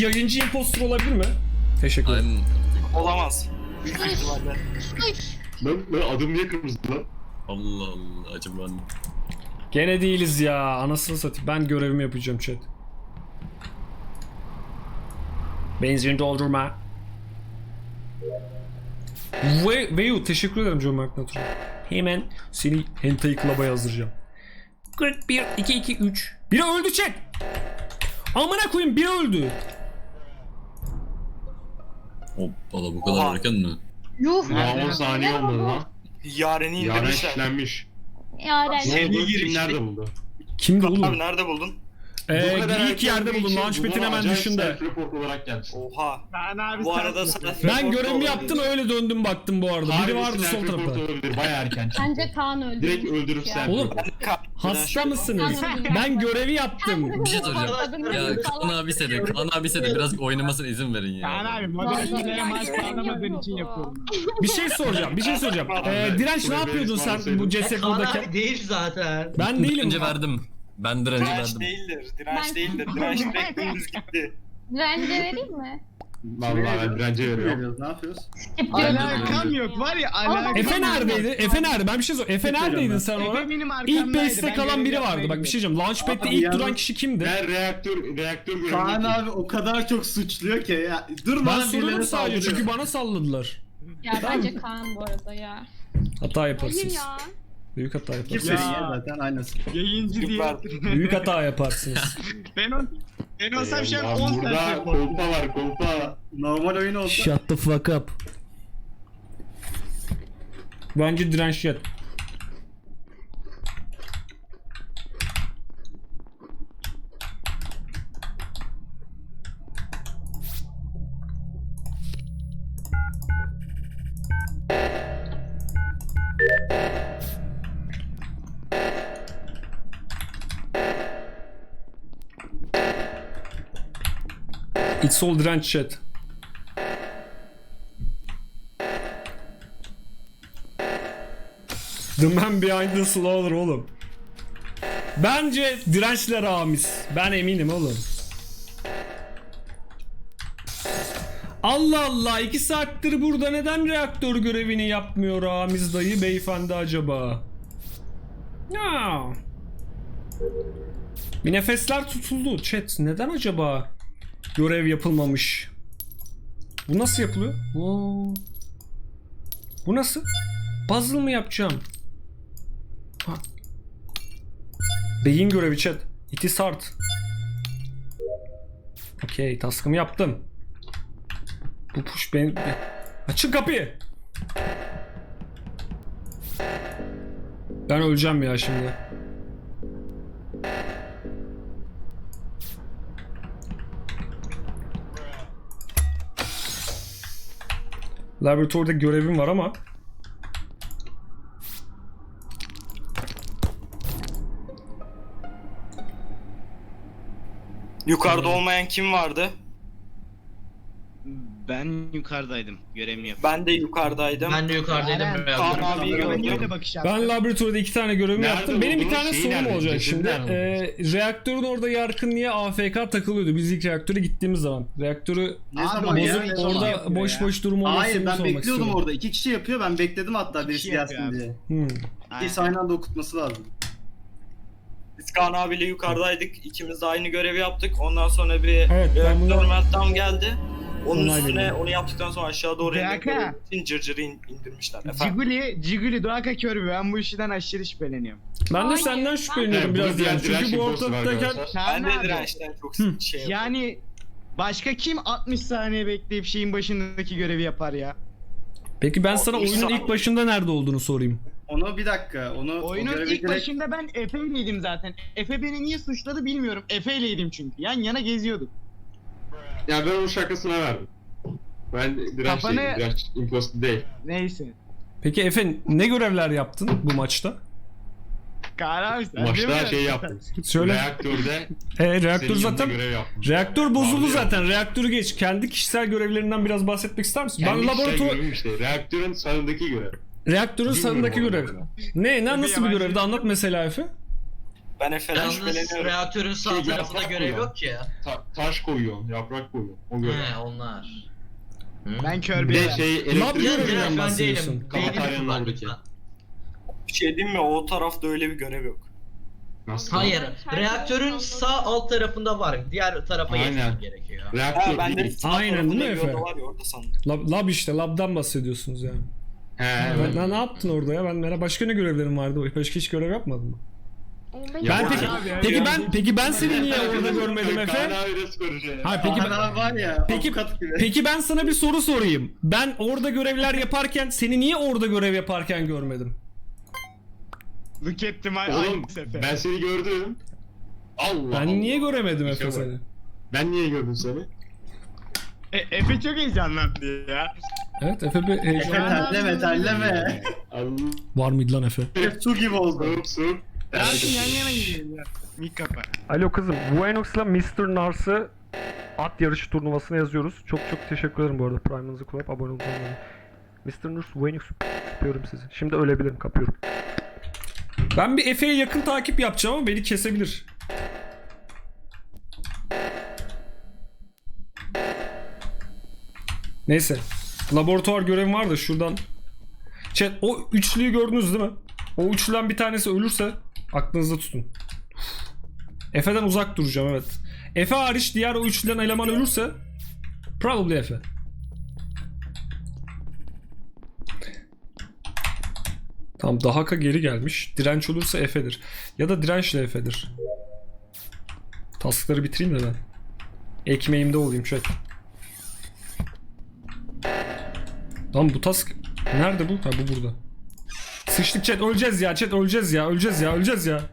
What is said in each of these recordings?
yayıncı impostor olabilir mi? Teşekkür ederim. Olamaz. Büyük ihtimalle. Lan adım niye kırmızı lan? Allah Allah acaba ne? Gene değiliz ya. Anasını satayım. Ben görevimi yapacağım chat. Benzin doldurma. Veyu teşekkür ederim John McNaughton. Hemen seni Hentai Club'a yazdıracağım. 41 2 2 3. Biri öldü chat. Amına koyayım biri öldü. Hoppala bu kadar Oha. erken mi? Yuh. Daha 10 saniye olmadı lan. Yaren'i Yaren indirmişler. şişlenmiş. Yaren. Şey- Ne oldu? girişti. Kim nerede buldu? Kimdi Abi oğlum? nerede buldun? İlk yerde buldum. Launchpad'in hemen dışında. Self-report olarak geldi. Oha. Ben abi Bu arada sana Ben görevimi yaptım öyle döndüm baktım bu arada. Biri vardı sol tarafta. olabilir. Bayağı erken çıktı. Bence Kaan öldü. Direkt öldürüp sen. Oğlum hasta mısınız? Ben görevi yaptım. Bir şey soracağım. Adını Ya bilmiyorum. Kaan abise de biraz oynamasına izin verin ya. Kaan abi moderatörlere maaş bağlamadığın için yapıyorum. Bir şey soracağım. Direnç ne yapıyordun sen bu ceset Kaan buradayken? abi değil zaten. Ben değilim. Önce verdim. Ben direnci Direnç verdim. değildir. Direnç Ben- değildir. Direnç direkt dümdüz gitti. Rence vereyim mi? Vallahi ben dirence veriyorum. Ne yapıyoruz? Alakam yok var ya alakam. Efe neredeydi? Efe nerede? Ben bir şey sorayım. Efe neredeydin sen Efe orada? benim İlk arkamdaydı. base'te Ben kalan görev biri yapmaya vardı. Bak bir şey gidiyorum. diyeceğim. Launchpad'de Abi ilk yalnız- duran kişi kimdi? Ben reaktör Kaan görevini... abi o kadar çok suçluyor ki ya. Durmadan Ben soruyorum birilerine sadece saldırıyor. çünkü bana salladılar. Ya bence Kaan bu arada ya. Hata yaparsınız. ya. Büyük hata Kim yaparsınız. verin ya zaten aynısı. Yayıncı diye. Süper. Büyük hata yaparsınız. Ben olsam şu an Eyvallah, 10 burada saat kolpa var kolpa. Normal oyun olsa. Shut the fuck up. Bence direnç yat. It's all direnç chat. The man behind the slaughter oğlum. Bence dirençle Ramiz. Ben eminim oğlum. Allah Allah 2 saattir burada neden reaktör görevini yapmıyor Ramiz dayı beyefendi acaba? Ya. Bir nefesler tutuldu chat. Neden acaba görev yapılmamış? Bu nasıl yapılıyor? Oo. Bu nasıl? Puzzle mı yapacağım? Ha. Beyin görevi chat. It is hard. Okey, task'ımı yaptım. Bu push ben... Açın kapıyı. Ben öleceğim ya şimdi. Laboratuvarda görevim var ama Yukarıda olmayan kim vardı? Ben yukarıdaydım. Görevimi yap. Ben de yukarıdaydım. Ben de yukarıdaydım. Kaan abiyi Ben gördüm. öyle bakış ben laboratuvarda 2 tane görevimi Nerede yaptım. Benim bir buldunuz? tane Şeyi sorum nerede? olacak Cesedi şimdi. nerede Reaktörün orada Yarkın niye AFK takılıyordu biz ilk reaktöre gittiğimiz zaman? Reaktörü Ne zaman Abi, ya? bozup ne zaman orada yapıyor boş ya? boş durum olmasını Hayır ben sormak bekliyordum istiyorum. orada. 2 kişi yapıyor ben bekledim hatta birisi kişi yapıyor gelsin abi. diye. Hmm. İkisi aynı anda okutması lazım. Biz Kaan abiyle yukarıdaydık. İkimiz de aynı görevi yaptık. Ondan sonra bir Evet, ben bunu- reaktör meltdown geldi. Onun Onay üstüne veriyorum. onu yaptıktan sonra aşağı doğru Berka. indirip cırcırı indirmişler. Efendim. Ciguli, Doğaka Körbi. Ben bu işten aşırı şüpheleniyorum. Ben de Hayır, senden ben- şüpheleniyorum Evet, biraz bu yani. direnç Çünkü bu imposter ortalıktayken arkadaşlar. Ben Kaan de abi. dirençten çok şey yapıyorum. Yani başka kim 60 saniye bekleyip şeyin başındaki görevi yapar ya? peki ben sana O oyunun insan- ilk başında nerede olduğunu sorayım. Onu bir dakika. Onu o Oyunun görevi ilk direkt- başında ben Efe'yleydim zaten. Efe beni niye suçladı bilmiyorum. Efe'yleydim çünkü. Yan yana geziyorduk. Ya ben onun şakasına verdim. Ben direnç Kafanı- değilim. Direnç imposter değil. Neyse. Peki Efe ne görevler yaptın bu maçta? Kaan abi sen değil Maçta mi? şey yaptım. Söyle. Reaktörde Reaktör senin zaten yanında görev yaptım. reaktör bozuldu Abi ya. zaten. Reaktörü geç. Kendi kişisel görevlerinden biraz bahsetmek ister misin? Kendi Ben laboratuvar görevim işte. Reaktörün sağındaki görev. reaktörün sağındaki Bilmiyorum görev. onu. Ne nasıl bir yabancı- görevdi? Anlat mesela Efe. Ben Efe'den Yalnız şüpheleniyorum. reaktörün sağ Şey, tarafında yaprak görev koyuyor. yok ki ya. Taş koyuyorsun, yaprak koyuyorsun. O göre. He onlar. Ben Bir kör de bir şey Lab elektrik görevinden ben bahsediyorsun. değilim. Beynimi Kafeteryanın kullan oradaki. lütfen. Bir şey diyeyim mi? O tarafta öyle bir görev yok. Nasıl? Hayır. Reaktörün sağ alt tarafında var. Diğer tarafa Aynen. geçmem gerekiyor. Ha Reaktör ben de değil. sağ Aynen, tarafında değil mi bir Efe? oda var ya orada sandım. Lab işte, labdan bahsediyorsunuz yani. He, Ne yaptın orada ya? Başka ne görevlerim vardı? Başka hiç görev yapmadın mı? Ya Peki ben seni niye orada görmedim Efe? Kaan abi nasıl konuşuyor ya? Ha peki Kaan abi var ya. Peki- Avukat gibi. Peki ben sana bir soru sorayım. Ben orada görevler yaparken seni niye orada görev yaparken görmedim? Look at my Oğlum eyes Efe. ben seni gördüm. Allah Ben Allah. niye göremedim İşe Efe bak. seni? Ben niye gördüm seni? Efe çok heyecanlandı ya. Evet Efe bir Efe heyecan terleme terleme. Allah. var mıydı lan Efe? Su gibi oldu. Soğuk soğuk. Zaten yan yana gidelim ya. Mik kapa. Alo kızım, Vuenox'la Mr. Nars'ı at yarışı turnuvasına yazıyoruz. Çok teşekkür ederim bu arada Prime'ınızı kullanıp abone olduğunuz için. Mr. Nars, Vuenox kapıyorum sizi. Şimdi ölebilirim, kapıyorum. Ben bir Efe'ye yakın takip yapacağım ama beni kesebilir. Neyse. Laboratuvar görevim var da şuradan. Chat, o üçlüyü gördünüz değil mi? O üçlüden bir tanesi ölürse aklınızda tutun. Efe'den uzak duracağım, evet. Efe hariç diğer o üçlüden eleman ölürse probably Efe. Tamam, Dahaka geri gelmiş. Direnç olursa Efe'dir. Ya da dirençle Efe'dir. Taskları bitireyim de ben. Ekmeğimde olayım chat. Lan bu task nerede bu? Ha, bu burada. Sıçtık chat, öleceğiz ya chat, öleceğiz ya, öleceğiz ya, öleceğiz ya.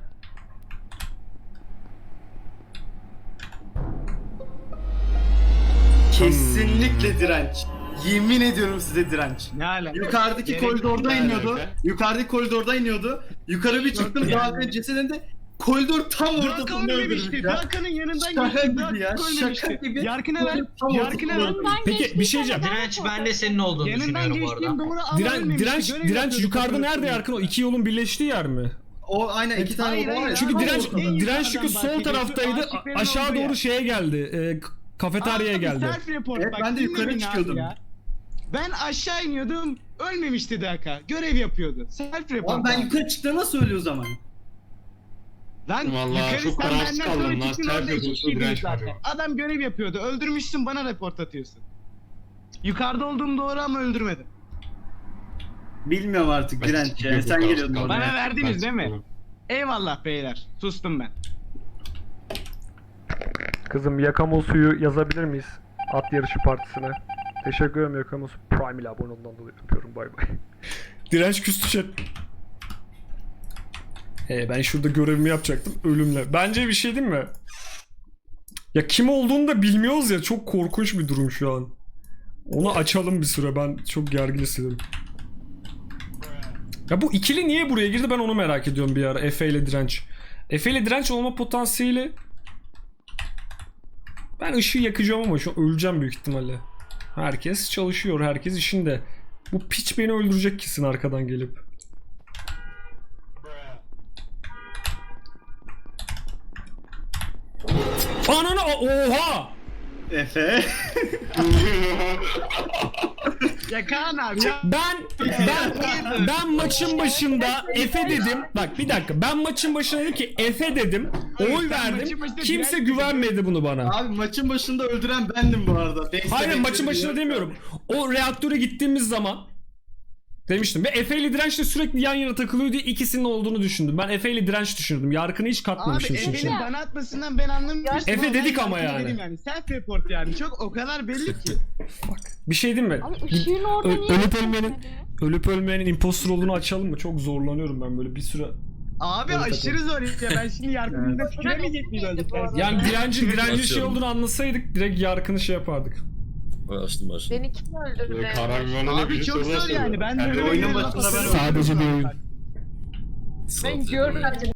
Kesinlikle direnç. Yemin ediyorum size direnç. Ne alaka? Yukarıdaki Gerek koridorda yok. iniyordu. Alaka. Yukarıdaki koridorda iniyordu. Yukarı bir çıktım zaten cesedinde. Koridor tam Drak ortasında ölmemişti. öldürmüş ya. Draka'nın yanından Şaka geçti. gibi ya, Drak şaka ölmemişti. gibi. Yarkına ver. Tam Yarkına ver. ortasında öldürmüş. Peki bir şey diyeceğim. Direnç ben de senin olduğunu Yanından düşünüyorum bu arada. geçtiğim doğru ama Direnç yukarıda nerede Yarkın? O iki yolun birleştiği yer mi? O aynen iki tane Hayır, oda var ya. hayır. Çünkü Ama direnç o en direnç çünkü yukarıdan sol taraftaydı. bahsediyorsun. Aşağı Aşiklerin doğru olduğu şeye geldi. Kafeteryaya geldi. Self report Evet, bak, ben de yukarı dinleyin abi çıkıyordum. ya. Ben aşağı iniyordum. Ölmemişti Draka. Görev yapıyordu. Self report. Oğlum ben yukarı çıktığımda nasıl ölüyor o zaman? Lan Vallahi yukarı çok sen kararsız benden kaldım sonra lan. çıktın, Self orada iki report'ta kişiydiniz direnç var zaten. ya. Adam görev yapıyordu. Öldürmüşsün, bana report atıyorsun. Yukarıda olduğum doğru ama öldürmedim. Bilmiyorum artık Ben direnç ya. çok Sen kararsız geliyordun kaldım. oraya. Bana verdiniz Ben değil mi? çıkmadım. Eyvallah beyler. Sustum ben. Kızım, Yakamosu'yu yazabilir miyiz? At yarışı partisine. Teşekkür ederim Yakamosu. Prime ile abone olduğundan dolayı yapıyorum. Bay bay. Direnç küstü chat. Ben şurada görevimi yapacaktım ölümle. Bence bir şey değil mi? Ya kim olduğunu da bilmiyoruz ya, çok korkunç bir durum şu an. Onu açalım bir süre, ben çok gergin hissediyorum. Ya bu ikili niye buraya girdi, ben onu merak ediyorum bir ara. Efe ile direnç. Efe ile direnç olma potansiyeli... Ben ışığı yakacağım ama şu an öleceğim büyük ihtimalle. Herkes çalışıyor, herkes işinde. Bu piç beni öldürecek kesin arkadan gelip. Ananı oha! Efe. Ya Kaan abi ya. Ben maçın başında Efe dedim. Bak bir dakika. Ben maçın başında dedim ki Efe dedim. Oy sen verdim. maçın başında Kimse direnç güvenmedi bunu bana. Abi maçın başında öldüren bendim bu arada. Hayır, maçın başında demiyorum. O reaktöre gittiğimiz zaman demiştim. Ve Efe ile Direnç de sürekli yan yana takılıyor diye ikisinin olduğunu düşündüm. Ben Efe ile Direnç düşünürdüm. Yarkını hiç Abi katmamışım için. Efe'nin bana atmasından ben anlamıştım. Efe ama dedik ben ama yaptım yani. dedim Self report yani. Çok o kadar belli ki. Bak bir şey diyeyim mi? Abi ışığın orada niye Ölüp gözükmedi ölmenin ya? ölüp ölmeyenin impostor olduğunu açalım mı? Çok zorlanıyorum ben böyle bir süre. Abi Evet, aşırı zor ya. Ben şimdi yargımda tüküremeyecek miyiz öldükten sonra? Yani direncin şey Açıyorum. olduğunu anlasaydık direkt Yarkını şey yapardık. Açtım. Beni kim öldürdü? Böyle karar vermene Abi bir çok sorular zor yani. soruyorum. Ben Yani de oyunun başında ben Sadece bir oyun. Ben görmedim.